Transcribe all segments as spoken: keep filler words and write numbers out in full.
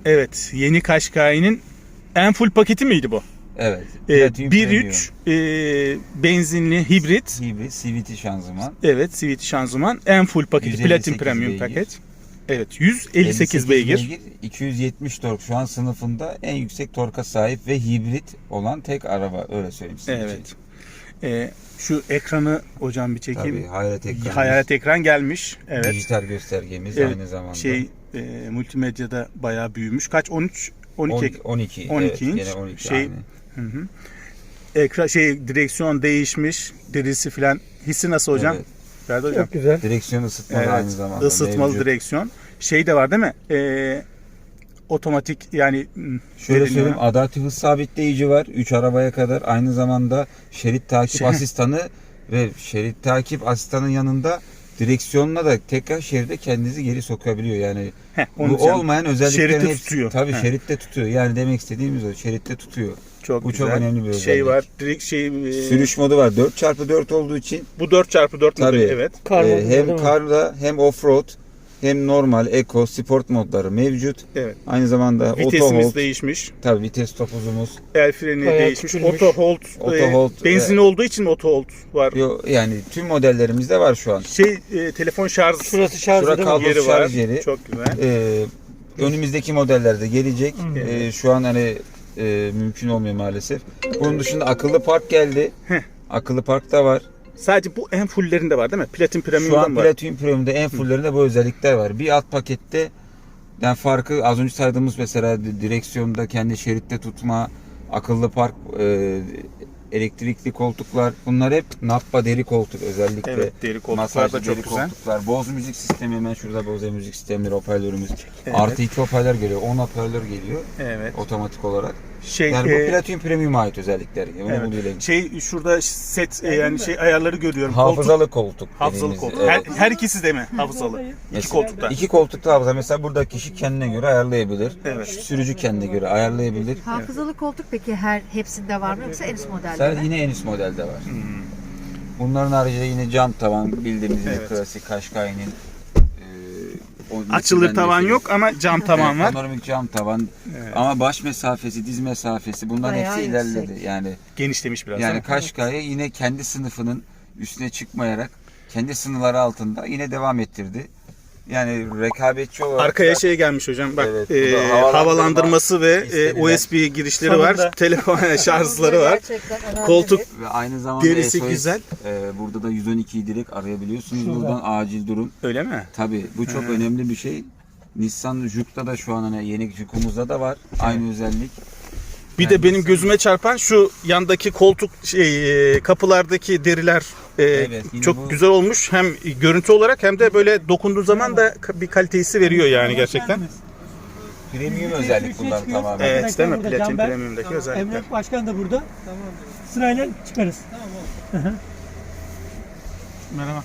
Evet, yeni Qashqai'nin en full paketi miydi bu? Evet. Ee, bir nokta üç e, benzinli hibrit. Hibrit C V T şanzıman. Evet, C V T şanzıman en full paketi, Platin Premium beygir. paket. Evet, yüz elli sekiz beygir. iki yüz yetmiş tork şu an sınıfında en yüksek torka sahip ve hibrit olan tek araba, öyle söyleyeyim size. Evet. Ee, şu ekranı hocam bir çekeyim. Tabii, hayalet ekran. Hayalet ekran gelmiş. Evet. Dijital göstergemiz Evet, aynı zamanda. Şey e, multimedyada bayağı büyümüş. Kaç? on üç on iki on iki on iki evet, inç. gene on iki Şey, aynı. hı hı. Ekran şey direksiyon değişmiş. Dirisi filan. Hissi nasıl hocam? Evet. Ferdi hocam. Çok güzel. Direksiyon ısıtmalı Evet, aynı zamanda. ısıtmalı mevcut. direksiyon. Şey de var değil mi? Ee, otomatik yani Şöyle söyleyeyim, adaptif hız sabitleyici var üç arabaya kadar. Aynı zamanda şerit takip Şey- asistanı ve şerit takip asistanın yanında direksiyonla da tekrar şeride kendinizi geri sokabiliyor. Yani Heh, bu onu diyeceğim. olmayan özelliklerin Şeritte hepsi, tutuyor. tabii Heh. şeritte tutuyor. Yani demek istediğimiz o, şeritte tutuyor. Çok Bu güzel. çok önemli bir özellik. Şey var. Direkt şey e, Sürüş modu var. dört çarpı dört olduğu için bu dört çarpı dört tabii modeli, evet. Kar e, modu değil hem mi? karda hem offroad hem normal, eco, sport modları mevcut. Evet. Aynı zamanda auto Vitesimiz hold, değişmiş. tabii vites topuzumuz. El freni Bayağı değişmiş. küçülmüş. Auto hold. Auto e, hold, benzinli olduğu için mi auto hold var? Yo, yani tüm modellerimizde var şu an. Şey e, telefon şarj Şurası şarj Şura değil mi? kablo yeri var. şarj yeri. Çok güzel. Ee, önümüzdeki modellerde gelecek. Hı. Ee, şu an hani e, mümkün olmuyor maalesef. Bunun dışında akıllı park geldi. Heh. Akıllı park da var. Sadece bu en fulllerinde var değil mi? Platin Şu Premium'dan an var. Platinum Premium'da en fulllerinde bu özellikler var. Bir alt pakette yani farkı az önce saydığımız mesela direksiyonda kendi şeritte tutma, akıllı park, e, elektrikli koltuklar, bunlar hep Nappa deri koltuk özellikle. Evet, deri koltuklar Masajlı da çok deri güzel. koltuklar. Bose müzik sistemi, hemen şurada Bose müzik sistemleri, hoparlörümüz. Evet. Artı iki hoparlör geliyor. on hoparlör geliyor Evet. otomatik olarak. Şey Yani bu e, Platinum Premium'a ait özellikleri. Onu evet. bunu bilelim. Şey şurada set e, yani şey ayarları görüyorum. Hafızalı koltuk. Hafızalı dediğimiz, koltuk. Her, evet. her ikisi de mi hafızalı? İki Mesela koltukta. İki koltukta hafıza. Mesela burada kişi kendine göre ayarlayabilir. Evet. Sürücü kendine göre ayarlayabilir. Hafızalı koltuk peki her hepsinde var mı yoksa en üst modelde Sen mi? yine en üst modelde var. Bunların haricinde yine cam tavan, bildiğimiz yine Evet. klasik Qashqai'nin e, Açılır tavan yok ama cam tavan var. Panoramik cam tavan. Evet. Ama baş mesafesi, diz mesafesi bunların Bayağı hepsi yüksek. ilerledi. Yani Genişlemiş biraz. yani değil mi? Qashqai yine kendi sınıfının üstüne çıkmayarak kendi sınırları altında yine devam ettirdi. Yani rekabetçi olarak Arkaya şey gelmiş hocam bak Evet, bu e, da havalandırma havalandırması ve e, istenilen. U S B girişleri Sonunda. var. Telefon şarjları var. Gerçekten önemli Koltuk bir- ve aynı zamanda Derisi S O S, güzel. e, burada da yüz on ikiyi direkt arayabiliyorsunuz. Şurada. Buradan acil durum. öyle mi? Tabii bu çok He. önemli bir şey. Nissan Juke'da da şu an hani yeni Juke'umuzda da var aynı özellik. Bir Yani de benim Nissan- gözüme çarpan şu yandaki koltuk şey e, kapılardaki deriler e, Evet, yine çok bu- güzel olmuş. Hem görüntü olarak hem de böyle dokunduğu zaman da bir kalitesi veriyor yani gerçekten. Premium özellik bunlar tamamen. Evet değil mi? Burada Platin Canber, Premium'daki özellikler. Emre Başkan da burada. Sırayla çıkarız. Merhaba.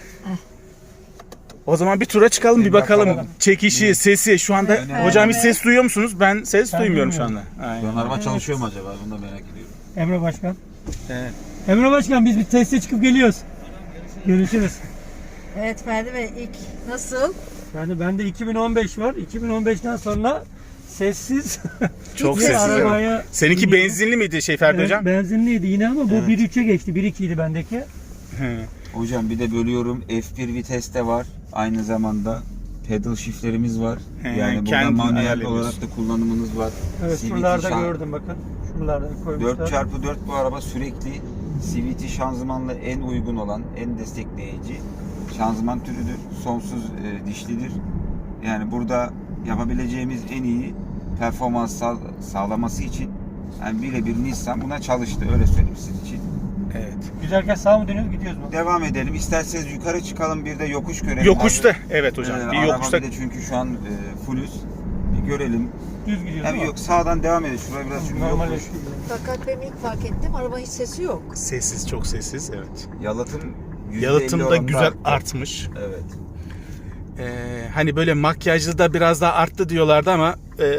O zaman bir tura çıkalım bir Bir bakalım. bakalım. Çekişi, sesi şu anda Önemli. hocam hiç ses duyuyor musunuz? Ben ses Ben duymuyorum şu anda. duymuyorum. Şu Aynen. an araba çalışıyor mu acaba? Bunu da merak ediyorum. Emre Başkan. Evet. Emre Başkan biz bir teste çıkıp geliyoruz. Görüşürüz. Evet Ferdi Bey ilk nasıl? Yani bende iki bin on beş var. iki bin on beşten sonra sessiz. Çok Hiç sessiz. araba- evet. Arabaya Seninki benzinli miydi şey Ferdi Evet, hocam? benzinliydi yine ama bu Evet. bir üçe geçti. bir ikiydi bendeki. Hı. Hocam bir de bölüyorum. F bir vites de var. Aynı zamanda pedal shiftlerimiz var. He, Yani burada kendin manuel ayarlıyorsun. olarak da kullanımınız var. Evet C V T şuralarda şan- gördüm bakın. Şuralarda koymuşlar. dört çarpı dört bu araba sürekli C V T şanzımanla en uygun olan, en destekleyici şanzıman türüdür. Sonsuz e, dişlidir. Yani burada yapabileceğimiz en iyi performans sağ- sağlaması için yani birebir Nissan buna çalıştı. Öyle söyleyeyim sizin için. Evet. Giderken sağ mı dönüyoruz gidiyoruz mu? Devam edelim. İsterseniz yukarı çıkalım, bir de yokuş görelim. Yokuşta. Evet hocam. Ee, Bir araba yokuşta. bir de çünkü şu an e, fullüz. Bir görelim. Düz gidiyoruz Hem değil mi? yok sağdan devam edelim. Şuraya biraz çünkü Normal yokuş. eski. Fakat ben ilk fark ettim araba hiç sesi yok. Sessiz, çok sessiz. Evet. Yalıtım yüzde elli Yalıtım da oranında güzel arttı. artmış. Evet. Ee, hani böyle makyajlı da biraz daha arttı diyorlardı ama e,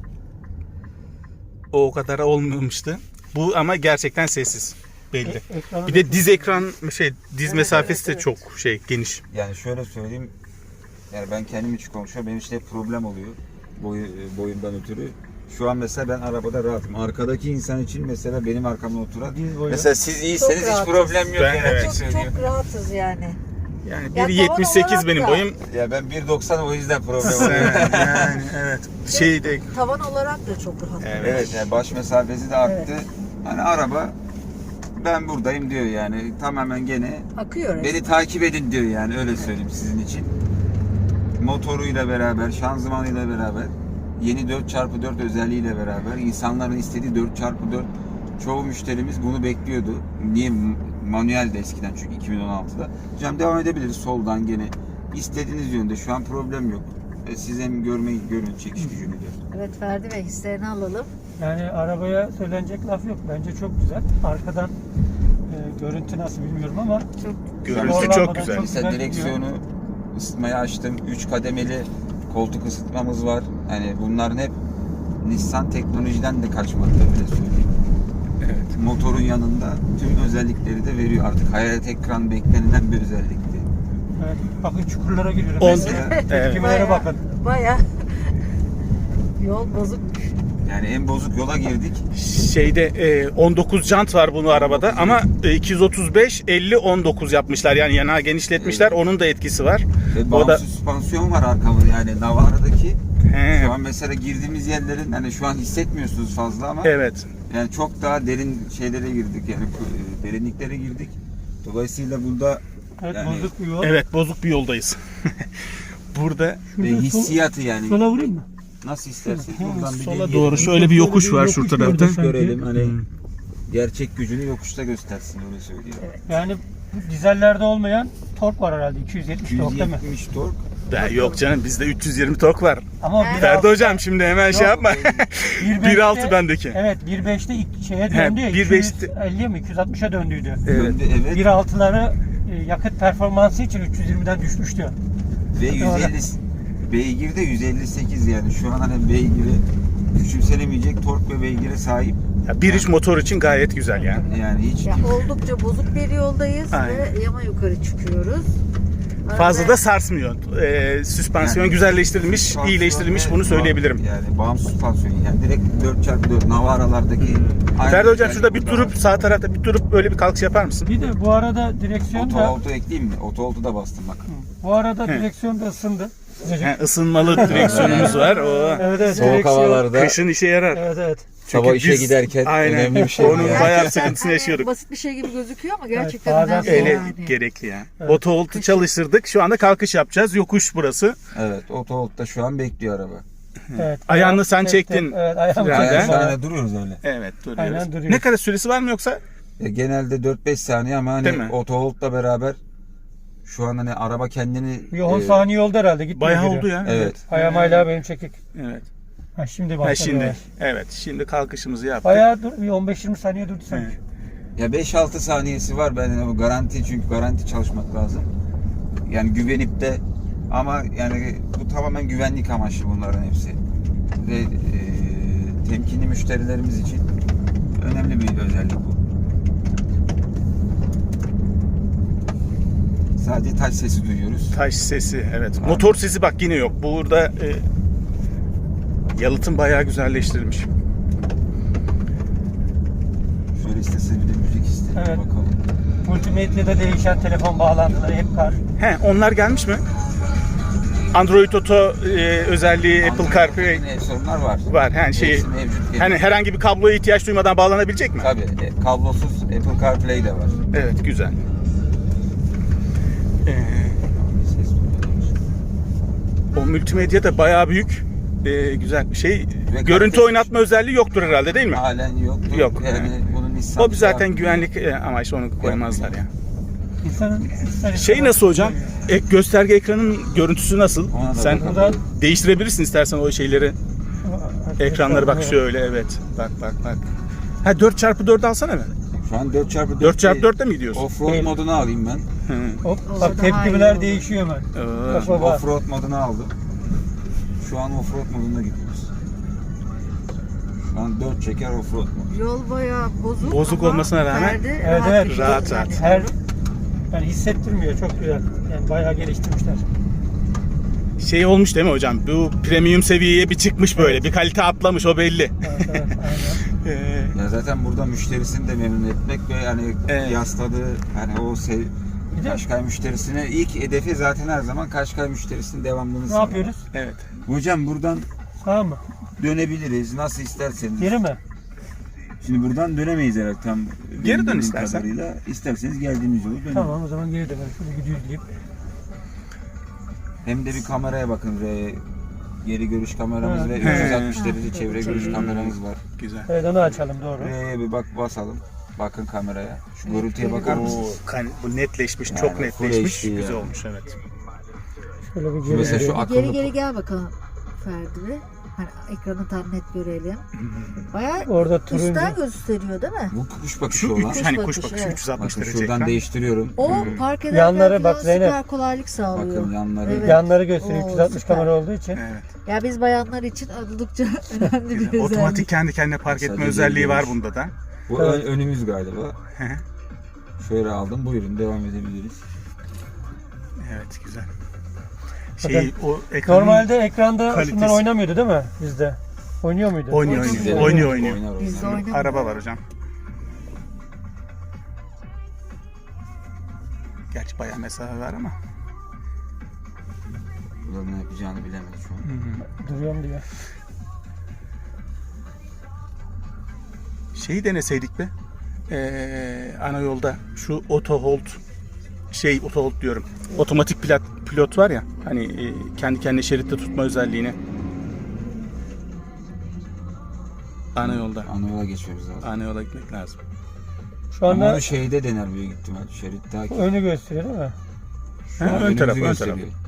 o kadar olmamıştı. Bu ama gerçekten sessiz. Belli. E- ekranı Bir de diz ekran şey diz mesafesi evet, de evet. çok şey geniş. Yani şöyle söyleyeyim. Yani ben kendim için konuşuyorum. Benim için hep problem oluyor. boyu, boyundan ötürü. Şu an mesela ben arabada rahatım. Arkadaki insan için mesela benim arkamda oturan. Diz boyu. Mesela siz iyiyseniz hiç rahatız. problem yok. Ben- yani. evet. Çok, Söylüyorum. çok rahatız yani. Yani Ya bir yetmiş sekiz tavan benim olarak da- boyum. Ya ben bir doksan o yüzden problem Sen- oluyor. yani evet. Şeyde Tavan olarak da çok rahat. Evet. Evet yani baş mesafesi de arttı. Hani araba ben buradayım diyor yani. Tamamen gene Akıyor. beni takip edin diyor yani öyle söyleyeyim sizin için. Motoruyla beraber, şanzımanıyla beraber, yeni dört çarpı dört özelliğiyle beraber insanların istediği dört çarpı dört çoğu müşterimiz bunu bekliyordu. Niye? Manuel de eskiden çünkü iki bin on altıda. Hocam devam edebiliriz soldan gene. İstediğiniz yönde şu an problem yok. E, siz hem görmeyi görün çekiş gücünü de. Evet Ferdi Bey hislerini alalım. Yani arabaya söylenecek laf yok. Bence çok güzel. Arkadan e, görüntü nasıl bilmiyorum ama Çok görüntü Zorlanmadan çok güzel. çok- Mesela güzel direksiyonu ısıtmayı açtım. üç kademeli koltuk ısıtmamız var. Hani bunların hep Nissan teknolojiden de kaçmadı öyle söyleyeyim. Evet. Motorun yanında tüm özellikleri de veriyor artık. Hayalet ekran beklenilen bir özellikti. evet, bakın çukurlara giriyorum. On- Mesela Evet. tepkimelere bakın. Baya yol bozukmuş. Yani en bozuk yola girdik. Şeyde e, on dokuz jant var bunu arabada ama e, iki yüz otuz beş elli on dokuz yapmışlar. Yani yanağı genişletmişler. Evet. Onun da etkisi var. Ve O bağımsız da süspansiyon var arkamda yani Navara'daki. He, Şu an mesela girdiğimiz yerlerin hani şu an hissetmiyorsunuz fazla ama evet. yani çok daha derin şeylere girdik yani e, derinliklere girdik. Dolayısıyla burada Evet, yani- bozuk bir yol. Evet, bozuk bir yoldayız. Burada ve Şurada sol- hissiyatı yani sola vurayım mı? nasıl isterseniz Hı, buradan bir sola deneyelim. doğru şöyle bir yokuş var şu Yokuş tarafta. gördüm. sanki. görelim hani Hmm. gerçek gücünü yokuşta göstersin öyle söyleyeyim. Yani bu dizellerde olmayan tork var herhalde. iki yüz yetmiş tork değil mi? yüz yetmiş tork. Ben yok canım bizde üç yüz yirmi tork var. Ama Evet. bir Ferdi alt- hocam şimdi hemen şey Yok, yapma. bir bir altı beşte- bendeki. Evet bir beşte ilk şeye He, döndü ya. bir iki beşte- yüz elliye mi iki yüz altmışa döndüydü. Evet. Döndü, evet. bir altıları e, yakıt performansı için üç yüz yirmiden düşmüştü. Ve yüz elli beygir de yüz elli sekiz yani şu an hani beygiri küçümsenemeyecek tork ve beygire sahip. Ya bir iç motor için gayet güzel yani. Yani hiç Ya oldukça bozuk bir yoldayız Aynen. ve yama yukarı çıkıyoruz. Fazla Arada- da sarsmıyor. Ee, süspansiyon Yani güzelleştirilmiş, süspansiyon iyileştirilmiş ve bunu söyleyebilirim. Yani bağımsız süspansiyon yani direkt dört çarpı dört Navara'lardaki aynı Ferdi hocam özellik şurada bir burada durup var. sağ tarafta bir durup böyle bir kalkış yapar mısın? Bir de bu arada direksiyon Oto da auto ekleyeyim mi? Oto auto da bastım bak. bu arada He. direksiyon da ısındı. Sıcacık. He, ısınmalı direksiyonumuz var. O Evet evet. Soğuk direksiyon- havalarda kışın işe yarar. Evet evet. sabah işe biz- giderken aynen, önemli bir şey. onun yani. bayağı Gerçekten sıkıntısını hani yaşıyorduk. Basit bir şey gibi gözüküyor ama gerçekten bazen önemli Öyle yani. gerekli ya. Evet. Otovoltu çalıştırdık. Şu anda kalkış yapacağız. Yokuş burası. Evet oto auto şu an bekliyor araba. Evet. Ayağını sen Çektim. çektin. Evet ayağımı Frenden. çektim. Yani bana. sahne duruyoruz öyle. Evet duruyoruz. Aynen duruyoruz. Ne kadar süresi var mı yoksa? Ya genelde dört beş saniye ama Değil mi? hani oto auto beraber şu an hani araba kendini Bir on e, saniye oldu herhalde. Gitmiyor Bayağı geri. oldu ya. Evet. Ayağım hala benim çekik. Evet. Ha şimdi Ha, başladı. şimdi. yavaş. Evet. Şimdi kalkışımızı yaptık. Bayağı dur, bir on beş yirmi saniye durdu sanki. Evet. Ya beş altı saniyesi var ben yani bu garanti çünkü garanti çalışmak lazım. Yani güvenip de ama yani bu tamamen güvenlik amaçlı bunların hepsi. Ve e, temkinli müşterilerimiz için önemli bir özellik bu. Sadece taş sesi duyuyoruz. Taş sesi evet. Aynen. Motor sesi bak yine yok. Burada e, yalıtım bayağı güzelleştirilmiş. Şöyle isteseniz bir de müzik isteyelim Evet. bakalım. Multimedyada değişen telefon bağlantıları hep kar. He onlar gelmiş mi? Android Auto e, özelliği Apple CarPlay Android'in sorunlar var. var. Yani şey Hepsi mevcut. hani herhangi bir kabloya ihtiyaç duymadan bağlanabilecek mi? Tabii e, kablosuz Apple CarPlay de var. Evet güzel. Ee, Ses duyuyoruz. o multimedya da bayağı büyük. e, güzel bir şey. Ve Görüntü kalitesi- oynatma özelliği yoktur herhalde değil mi? Halen yok. Yok. Yani bunun Nissan O bir zaten güvenlik e, amaçlı onu koymazlar ya. İnsanın ister Şey istemez- nasıl hocam? Ek gösterge ekranın görüntüsü nasıl? Ona da Sen bakalım. Buradan değiştirebilirsin istersen o şeyleri. Ekranları bak şöyle evet. Bak bak bak. Ha dört çarpı dört alsana be. Şu an dört çarpı dört. dört çarpı dörtte mi gidiyorsun? Offroad Değil. modunu alayım ben. Hı. Hop, O bak daha iyi tepkimeler olur. değişiyor hemen. Ee, Bak baba. Offroad modunu aldım. Şu an offroad modunda gidiyoruz. Şu an dört çeker offroad mod. Yol bayağı bozuk. Bozuk ama olmasına rağmen- Ferdi Evet, rahat evet. bir şey Rahat, yani. rahat. Her yani hissettirmiyor çok güzel. Yani bayağı geliştirmişler. Şey olmuş değil mi hocam? Bu premium seviyeye bir çıkmış böyle. Bir kalite atlamış, o belli. Evet, evet, aynen. Ee, Ya zaten burada müşterisini de memnun etmek ve hani Evet. kıyasladığı hani o sev Bir de- Kaşkay müşterisine ilk hedefi zaten her zaman Kaşkay müşterisinin devamlılığını Ne sağlamak. yapıyoruz? evet. Hocam buradan Sağ mı? dönebiliriz nasıl isterseniz. Geri mi? Şimdi buradan dönemeyiz herhalde tam. Geri benim dön bildiğim istersen. kadarıyla. İsterseniz geldiğimiz yolu dönelim. Tamam, o zaman geri dönelim. Şöyle gidiyoruz deyip. Hem de bir kameraya bakın ve geri görüş kameramız Ha. ve He. üç yüz altmış derece Ha. çevre Çevre. görüş kameramız var. Güzel. Evet, onu açalım, doğru. R'ye bir bak basalım. Bakın kameraya. Şu görüntüye bakar Oo, mısınız? kan- bu netleşmiş, Yani çok full netleşmiş. H D Güzel yani. olmuş, evet. Şöyle bir geri Mesela şu gidelim. akıllı Geri geri gel bakalım Ferdi Bey. Hani ekranı tam net görelim. Bayağı Orada turuncu. üstten gösteriyor değil mi? bu kuş bakışı Şu olan. üç, hani kuş bakışı, bakışı evet. üç yüz altmış Bakın derece şuradan ekran. değiştiriyorum. O park ederken Yanları falan bak Zeynep. süper kolaylık sağlıyor. Bakın yanları. Evet. Yanları gösteriyor, Oo, üç yüz altmış süper. kamera olduğu için. Evet. Ya biz bayanlar için oldukça önemli bir Güzel. özellik. Otomatik kendi kendine park etme Sadece özelliği var görüş. bunda da. Bu Evet. ön- önümüz galiba. Hı hı. Şöyle aldım. Buyurun devam edebiliriz. Evet, güzel. Şey, Bakın, o ekranın Normalde ekranda kalitesi. şunlar oynamıyordu değil mi bizde? Oynuyor muydu? Oynuyor, Oynuyor. oynuyor. Oynuyor, oynuyor. Oynar, Bizde oynar. oynamıyor. Araba var hocam. Gerçi bayağı mesafe var ama. Burada ne yapacağını bilemedi şu an. Duruyorum diyor. Şeyi deneseydik be. Ee, ana yolda şu auto hold şey auto hold diyorum. Otomatik pilot pilot var ya. Hani e, kendi kendine şeritte tutma özelliğini. Ana yolda. Ana yola geçiyoruz zaten. Ana yola gitmek lazım. Şu Ama anda onu şeyde dener büyük ihtimal. Şerit takip. önü gösteriyor değil mi? Ha, an ön önümüzü taraf, ön gösteriyor. taraf.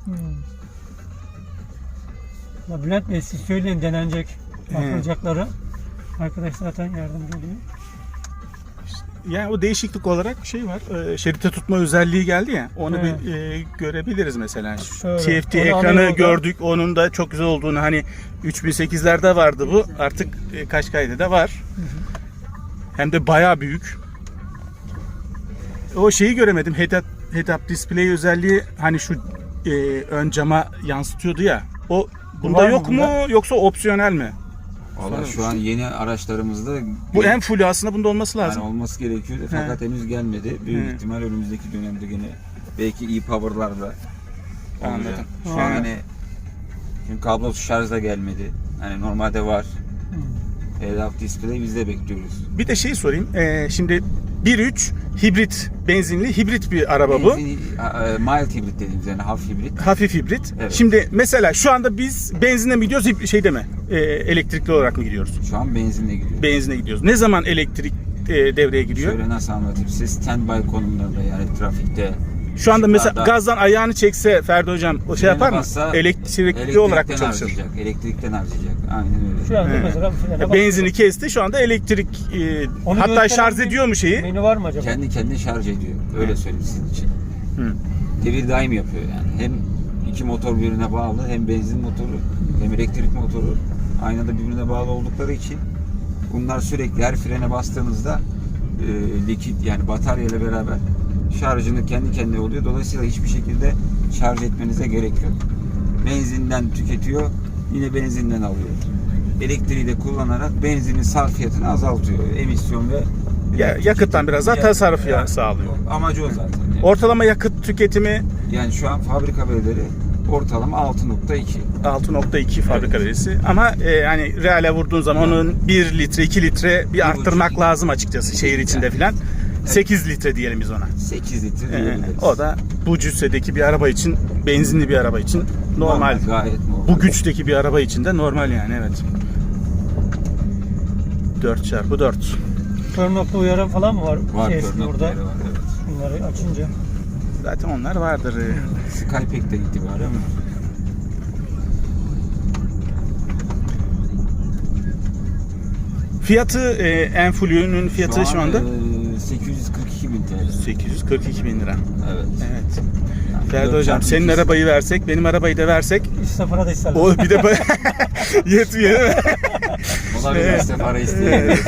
Ya Bülent Bey, siz söyleyin denenecek He. yapılacakları. Arkadaş zaten yardımcı oluyor. Yani o değişiklik olarak şey var. E, şeritte tutma özelliği geldi ya. Onu Evet. bir e, görebiliriz mesela. Şu Şöyle, T F T onu ekranı ana yolda- gördük. Onun da çok güzel olduğunu, hani üç bin sekizlerde vardı bu. Artık e, Kaşkay'da da var. Hem de bayağı büyük. O şeyi göremedim. Head-up, head-up display özelliği, hani şu e, ön cama yansıtıyordu ya. O bunda Var mı yok mu bunda? yoksa opsiyonel mi? Valla şu an yeni araçlarımızda Bu en full aslında bunda olması yani lazım. olması gerekiyordu fakat henüz gelmedi. Büyük He. ihtimal önümüzdeki dönemde gene belki e-power'larla olacak. Anladım. Şu He. an hani çünkü kablosuz şarj da gelmedi. Hani normalde var. Head-up display biz de bekliyoruz. Bir de şey sorayım. Ee, şimdi bir nokta üç hibrit, benzinli hibrit bir araba bu. Benzin, a- e, mild hibrit dediğimiz yani hafif hibrit. Hafif hibrit. Evet. Şimdi mesela şu anda biz benzinle mi gidiyoruz, hib- şeyde mi? Ee, elektrikli olarak mı gidiyoruz? Şu an benzinle gidiyor. Benzinle gidiyoruz. Ne zaman elektrik e, devreye giriyor? Şöyle nasıl anlatayım size, standby konumlarda yani trafikte. Şu anda mesela ışıklarda gazdan ayağını çekse Ferdi hocam o şey frene yapar mı? bassa Elektrikli olarak mı elektrikten çalışır? harcayacak, elektrikten harcayacak. Aynen öyle. Şu anda He. mesela bu frene bak- Benzini kesti, şu anda elektrik e, Onu hatta gösteren şarj bir ediyor mu şeyi? Menü var mı acaba? Kendi kendine şarj ediyor. Öyle söyleyeyim sizin için. Hı. Devir daim yapıyor yani. Hem iki motor birbirine bağlı, hem benzin motoru hem elektrik motoru aynı anda birbirine bağlı oldukları için bunlar sürekli her frene bastığınızda e, likit yani batarya ile beraber şarjını kendi kendine oluyor. Dolayısıyla hiçbir şekilde şarj etmenize gerek yok. Benzinden tüketiyor, yine benzinden alıyor. Elektriği de kullanarak benzinin sarfiyatını azaltıyor. Emisyon ve Ya, yakıttan biraz daha Ya- tasarruf ya, ya- sağlıyor. Amacı o zaten. Yani. Ortalama yakıt tüketimi Yani şu an fabrika verileri ortalama altı nokta iki. altı nokta iki fabrika verisi. Ama e, yani reale vurduğun zaman onun bir litre iki litre bir arttırmak buçuk. lazım açıkçası şehir içinde filan. sekiz litre diyelim biz ona. sekiz litre E, diyebiliriz. o da bu cüssedeki bir araba için, benzinli bir araba için normal. Gayet normal. Bu güçteki bir araba için de normal yani, evet. dört çarpı dört. Kör nokta uyarı falan mı var? var, Şey, kör burada. noktaları var. Evet. Bunları açınca. Zaten onlar vardır. Skypack'ten itibaren var. Fiyatı e, Enflu'nun fiyatı şu, an, anda e, sekiz yüz kırk iki bin T L. sekiz yüz kırk iki bin lira. Evet. Evet. Yani Ferdi dört hocam çarpı senin iki. arabayı versek, benim arabayı da versek üç sıfıra da isterler. o bir de yetmiyor değil mi? Olabilir işte para isteyebiliriz.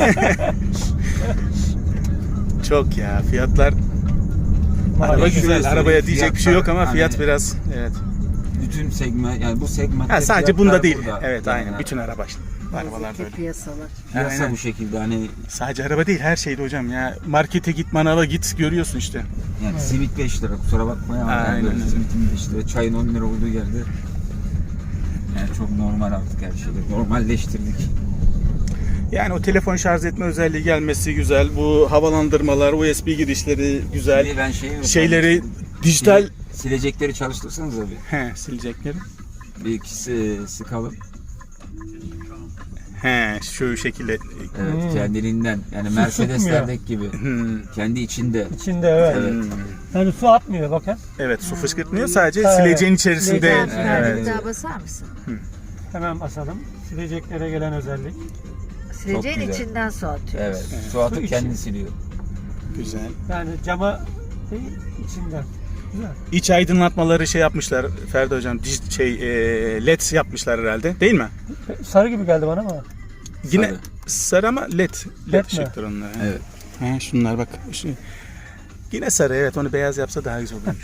Çok ya, fiyatlar araba şöyle güzel, söyleyeyim, arabaya diyecek bir şey yok ama fiyatlar fiyat hani- biraz, evet. bütün segment, yani bu segment Ha, sadece bunda değil. Evet, aynen. Bütün araba işte. Arabalar da Fiziki öyle. piyasalar. Piyasa Aynen. bu şekilde hani Sadece araba değil, her şeyde hocam ya. Markete git, manava git, görüyorsun işte. yani Evet. simit beş lira, kusura bakmayın ama Aynen yani böyle öyle. simitin beş lira, çayın on lira olduğu yerde yani çok normal artık her şeyi. Normalleştirdik. Yani o telefon şarj etme özelliği gelmesi güzel. Bu havalandırmalar, U S B girişleri güzel. Bir ben şeyi Şeyleri dijital Sil- silecekleri çalıştırsanız abi. he silecekleri. Bir ikisi sıkalım. He şu şekilde. Evet, Hmm. kendiliğinden. Yani Su Mercedeslerdeki gibi. Hmm. Kendi içinde. İçinde evet. Evet. Hmm. Yani su atmıyor bakın. Evet, su fışkırtmıyor, sadece Evet. sileceğin içerisinde. Sileceğin Sen içinde. Evet. Ferdi bir daha basar mısın? Hemen basalım. Sileceklere gelen özellik. Sileceğin güzel. içinden su atıyor. Evet. Evet. Su atıp Su içi. kendi siliyor. Güzel. Yani cama değil içinden. Güzel. İç aydınlatmaları şey yapmışlar Ferdi hocam. dij- Şey e, L E D yapmışlar herhalde, değil mi? Sarı gibi geldi bana ama. Yine Sarı. sarı ama L E D. L E D Led mi? ışıktır onlar. he. Evet. He, şunlar bak. Şu, yine sarı, evet, onu beyaz yapsa daha güzel olurmuş.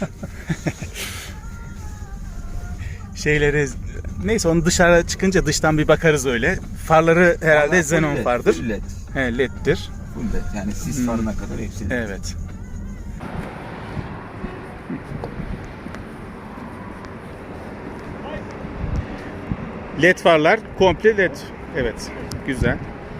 Şeyleri neyse, onu dışarı çıkınca dıştan bir bakarız öyle. Farları herhalde Ama full xenon led, fardır. full led. He, L E D'dir. Full led. Yani sis Hmm. farına kadar hepsi led. Evet. L E D farlar komple L E D. Evet. Güzel.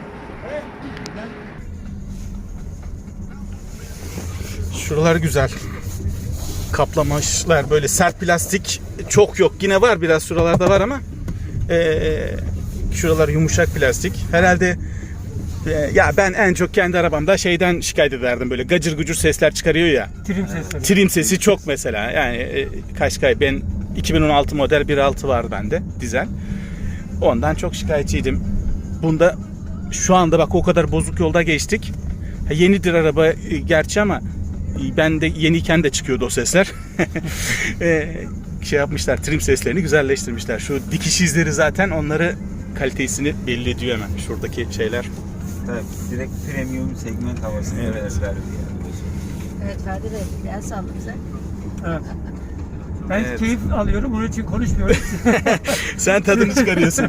Şuralar güzel. Kaplamaçlar böyle sert plastik çok yok. Yine var, biraz şuralarda var ama eee şuralar yumuşak plastik. Herhalde e, ya ben en çok kendi arabamda şeyden şikayet ederdim, böyle gacır gucur sesler çıkarıyor ya. Trim sesleri. Trim sesi çok mesela. Yani e, Kaşkay, ben iki bin on altı model bir altı var bende dizel. Ondan çok şikayetçiydim. Bunda şu anda bak o kadar bozuk yolda geçtik. Ha, yenidir araba e, gerçi ama e, ben de yeniyken de çıkıyordu o sesler. e, şey yapmışlar, trim seslerini güzelleştirmişler. Şu dikiş izleri zaten onları, kalitesini belli ediyor hemen şuradaki şeyler. Evet, direkt premium segment havasını Evet. verdi yani. Öyle söyleyeyim. Evet Ferdi Bey, gel salla bize. Evet. Ben Evet. keyif alıyorum, onun için konuşmuyorum. Sen tadını çıkarıyorsun.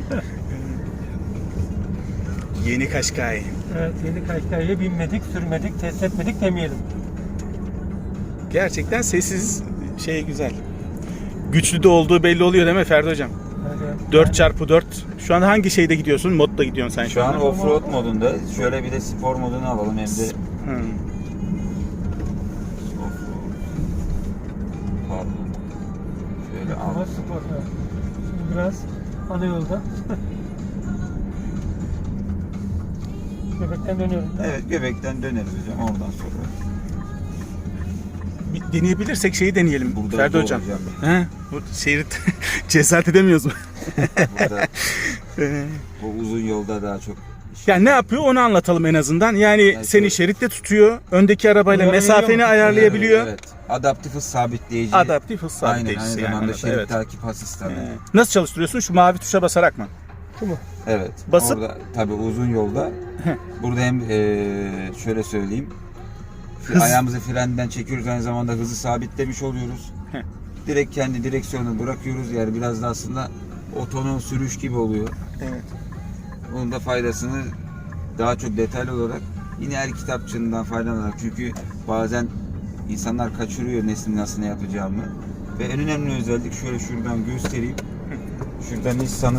Yeni Kaşkay. Evet, yeni Kaşkay'ya binmedik, sürmedik, test etmedik demeyelim. Gerçekten sessiz şey güzel. Güçlü de olduğu belli oluyor değil mi Ferdi hocam? Yani, dört çarpı dört. Şu anda hangi şeyde gidiyorsun? Modda gidiyorsun sen şu, Şu an anda. offroad modunda. Şöyle bir de spor modunu alalım hem de. Hı. Offroad. Pardon. Şöyle ama al. spor. Evet. Şimdi biraz ana yolda. Göbekten dönüyorum. Evet, göbekten döneriz hocam oradan sonra. Bir deneyebilirsek şeyi deneyelim Burada Ferdi zor hocam. hocam. He? Bu şerit cesaret edemiyoruz mu? Burada Ee, bu uzun yolda daha çok yani ne yapıyor onu anlatalım en azından. Yani Yani seni şöyle- şeritte tutuyor. Öndeki arabayla Uyarabiliyor mesafeni musun? ayarlayabiliyor. Evet, evet. Adaptif hız sabitleyici. Adaptif hız Aynen, sabitleyicisi aynı yani. zamanda anladım. şerit Evet. takip asistanı. Ee, nasıl çalıştırıyorsun? Şu mavi tuşa basarak mı? Şu mu? Evet. Basıp- Orada tabii uzun yolda. Burada hem eee, şöyle söyleyeyim. Hız- Ayağımızı frenden çekiyoruz, aynı zamanda hızı sabitlemiş oluyoruz. Heh. Direkt kendi direksiyonu bırakıyoruz. Yani biraz da aslında otonom sürüş gibi oluyor. Evet. Bunun da faydasını daha çok detaylı olarak yine el kitapçığından faydalanarak, çünkü bazen insanlar kaçırıyor neslin nasıl ne yapacağımı. Ve en önemli özellik şöyle şuradan göstereyim. Şurada Nissan'ın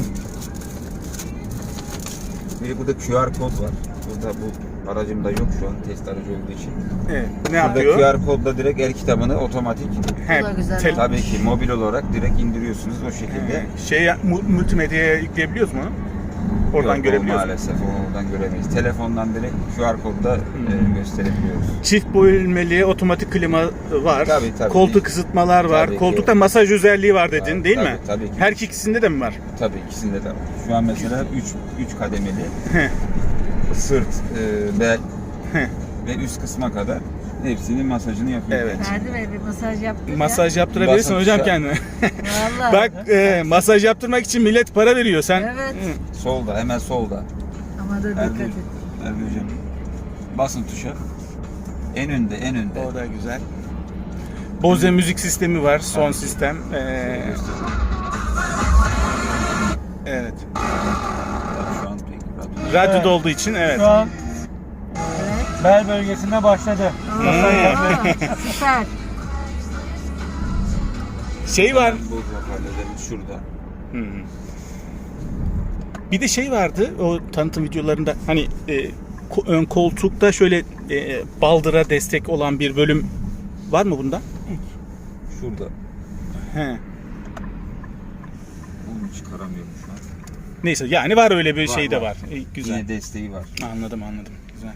bir burada Q R kod var. Burada bu aracımda yok şu an, test aracı olduğu için. Evet. Ne Burada yapıyor? Q R kodla direkt el kitabını otomatik, He, Bu da güzel tel- olmuş. tabii ki mobil olarak direkt indiriyorsunuz o şekilde. Ee, şey mu- multimedyaya yükleyebiliyoruz mu onu? Oradan Yok, o görebiliyoruz. mu? maalesef onu oradan göremeyiz. Telefondan direkt Q R kodla e, gösterebiliyoruz. Çift bölmeli otomatik klima var. Tabii, tabii. Koltuk ısıtmalar var. Tabii ki. Koltukta masaj özelliği var dedin, Tabii, değil tabii, mi? tabii ki. Her ikisinde de mi var? Tabii ikisinde de var. Şu an mesela üç kademeli. Sırt, e, bel Heh. ve üst kısma kadar hepsinin masajını yapıyor. Evet. Ferdi Bey bir masaj yaptın ya. Masaj yaptırabilirsin Basın hocam tuşa. kendine. Vallahi. Bak e, masaj yaptırmak için millet para veriyor. Sen Evet. Hı. Solda, hemen solda. Ama da dikkat Erbil, et. Erbil hocam. Basın tuşa. En önde, en önde. O da güzel. Bose müzik sistemi var, son sistem. Ee, Evet. Şu an pek radyo. Radyoda Evet. olduğu için evet. Şu an Evet. bel bölgesinde başladı. Masayı yapmaya. Aa, süper. Şey var. Bu hoparlörlerimiz şurada. Hmm. Bir de şey vardı o tanıtım videolarında hani e, ko- ön koltukta şöyle e, baldıra destek olan bir bölüm var mı bunda? Şurada. He. Onu çıkaramıyorum şu an. Neyse yani var öyle bir Var, şey de var. var. E, güzel. Yine desteği var. Anladım anladım. Güzel.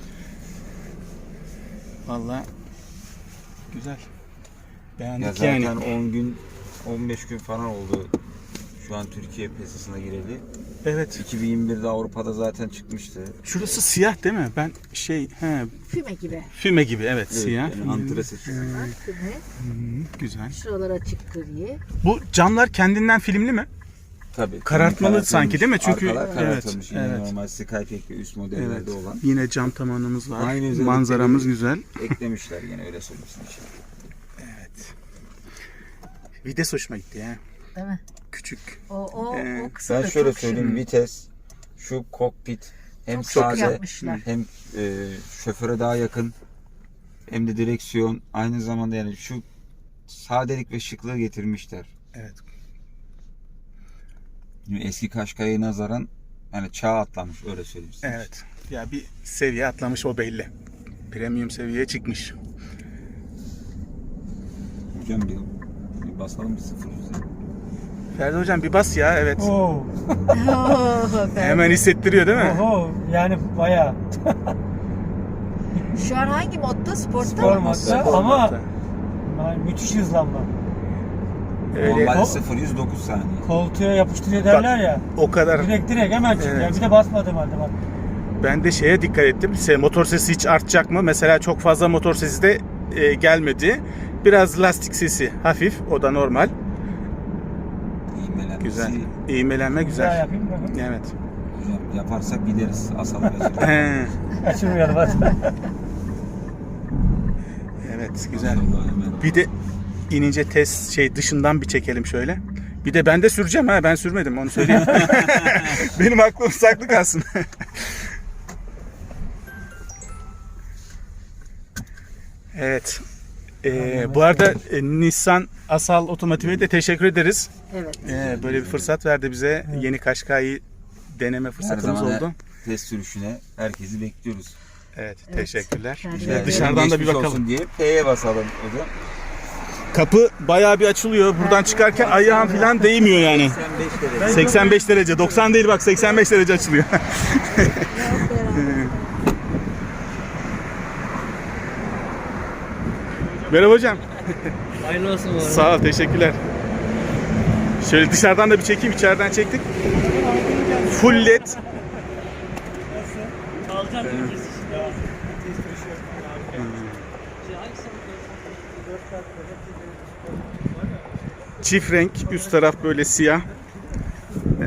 Vallahi güzel. Beğendik Ya zaten yani. on gün on beş gün falan oldu şu an Türkiye piyasasına gireli. Evet. iki bin yirmi birde Avrupa'da zaten çıkmıştı. Şurası siyah değil mi? Ben şey he Füme gibi. füme gibi evet, Evet, siyah. yani antresit. Bunlar füme. Hmm, güzel. Şuralar açık gri. Bu camlar kendinden filmli mi? Tabii. Karartmalı Karartılmış, sanki değil mi? Çünkü- arkalar karartılmış. Evet, Yine evet. normal Skypack ve üst modellerde Evet. olan. Yine cam tavanımız var. Aynı özellikleri Manzaramız güzel. Eklemişler yine öyle söyleyeyim için. Evet. Vites hoşuma gitti ya. Değil mi? Küçük. O, o, Ee, o kısım Ben da şöyle çok söyleyeyim, şık. vites, şu kokpit hem Çok sade yapmışlar. hem e, şoföre daha yakın hem de direksiyon aynı zamanda yani şu sadelik ve şıklığı getirmişler. Evet. Yani eski Qashqai'ye nazaran yani çağ atlamış öyle söyleyeyim size. Evet. Ya bir seviye atlamış o belli. Premium seviyeye çıkmış. Hocam bir, bir basalım bir sıfır yüze. Ferdi hocam bir bas ya evet. Oo. Oo, ben- Hemen hissettiriyor değil mi? Oho. Yani bayağı. Şu an hangi modda? Sportta Spor mı? modda. Spor Ama modda. yani müthiş hızlanma. Öyle Normalde O- sıfır yüz dokuz saniye. Koltuğa yapıştırıyor derler ya. o kadar. Direkt direkt hemen çıkıyor. Evet. Bir de basmadım halde bak. Ben de şeye dikkat ettim. Se- Motor sesi hiç artacak mı? Mesela çok fazla motor sesi de e, gelmedi. Biraz lastik sesi hafif. O da normal. İğmelenmesi. Güzel. İğmelenme Bir daha güzel. yapayım bakın. Evet. Hocam yaparsak gideriz asalım. He, Kaçırmayalım hadi. evet güzel. Vallahi hemen. Bir de inince test şey dışından bir çekelim şöyle. Bir de ben de süreceğim ha, ben sürmedim onu söyleyeyim. Benim aklım saklı kalsın. Evet. Ee, bu arada e, Nissan Asal Otomotiv'e de teşekkür ederiz. Evet. Ee, böyle bir fırsat verdi bize. Yeni Qashqai'yi deneme Her fırsatımız zaman oldu. test sürüşüne herkesi bekliyoruz. Evet, Evet. teşekkürler. Yani Şöyle Evet. dışarıdan da bir Geçmiş bakalım. olsun diye P'ye basalım hocam. Kapı bayağı bir açılıyor. Buradan çıkarken ayağım falan değmiyor yani. seksen beş derece. seksen beş derece. doksan değil bak seksen beş derece açılıyor. Merhaba hocam. Hayırlı olsun bu arada. Sağ ol, teşekkürler. Şöyle dışarıdan da bir çekeyim, içeriden çektik. Full led. Alacağım bir kez. Çift renk, üst taraf böyle siyah. Ee,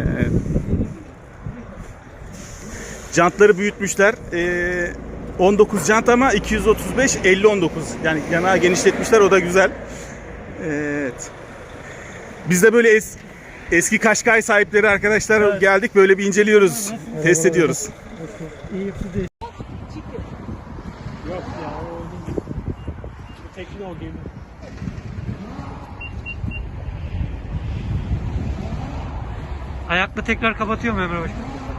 jantları büyütmüşler. Ee, on dokuz jant ama iki yüz otuz beş elli on dokuz. Yani yanağı genişletmişler, o da güzel. Evet. Biz de böyle es, eski Qashqai sahipleri arkadaşlar geldik, böyle bir inceliyoruz, test ediyoruz. İyi yapı değil. Yok ya o değil. Bu tekne o gemi. Ayakla tekrar kapatıyor mu Emre Başkan?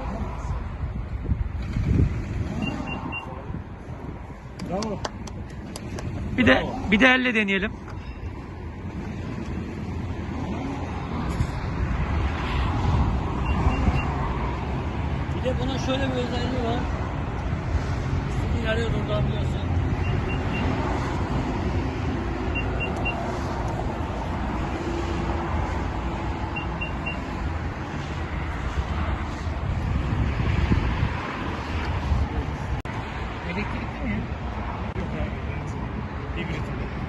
Bravo. Bir de bir de elle deneyelim. Bir de bunun şöyle bir özelliği var. İstediğin yerde durdurabiliyorsun. Elektrikli mi? Yok abi. Hibrit.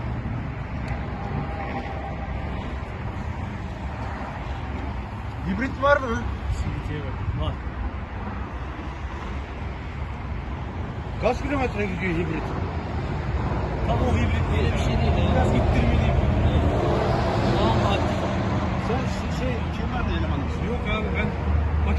Hibrit var mı? Sivitiye bak. Var. Kaç kilometre gidiyor hibrit? Tam o hibrit Böyle bir şey değil ya. Biraz ittirmeli. Daha aktif. Sen şey, kim vardı elemanımız? Yok abi ben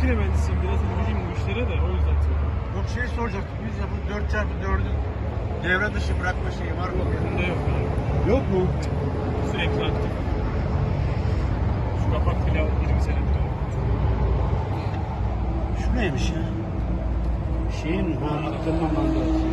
makine mühendisiyim. Biraz ilgiliyim bu işlere de o yüzden söylüyorum. Yok şey soracaktım. Biz ya bu dört çarpı dördün devre dışı bırakma şeyi var mı? Bunda yok yani. Yok mu? Sürekli aktif. Şu kapak bile yirmi senedir. Şu neymiş ya? Şeyin ha, aktarma mandalası.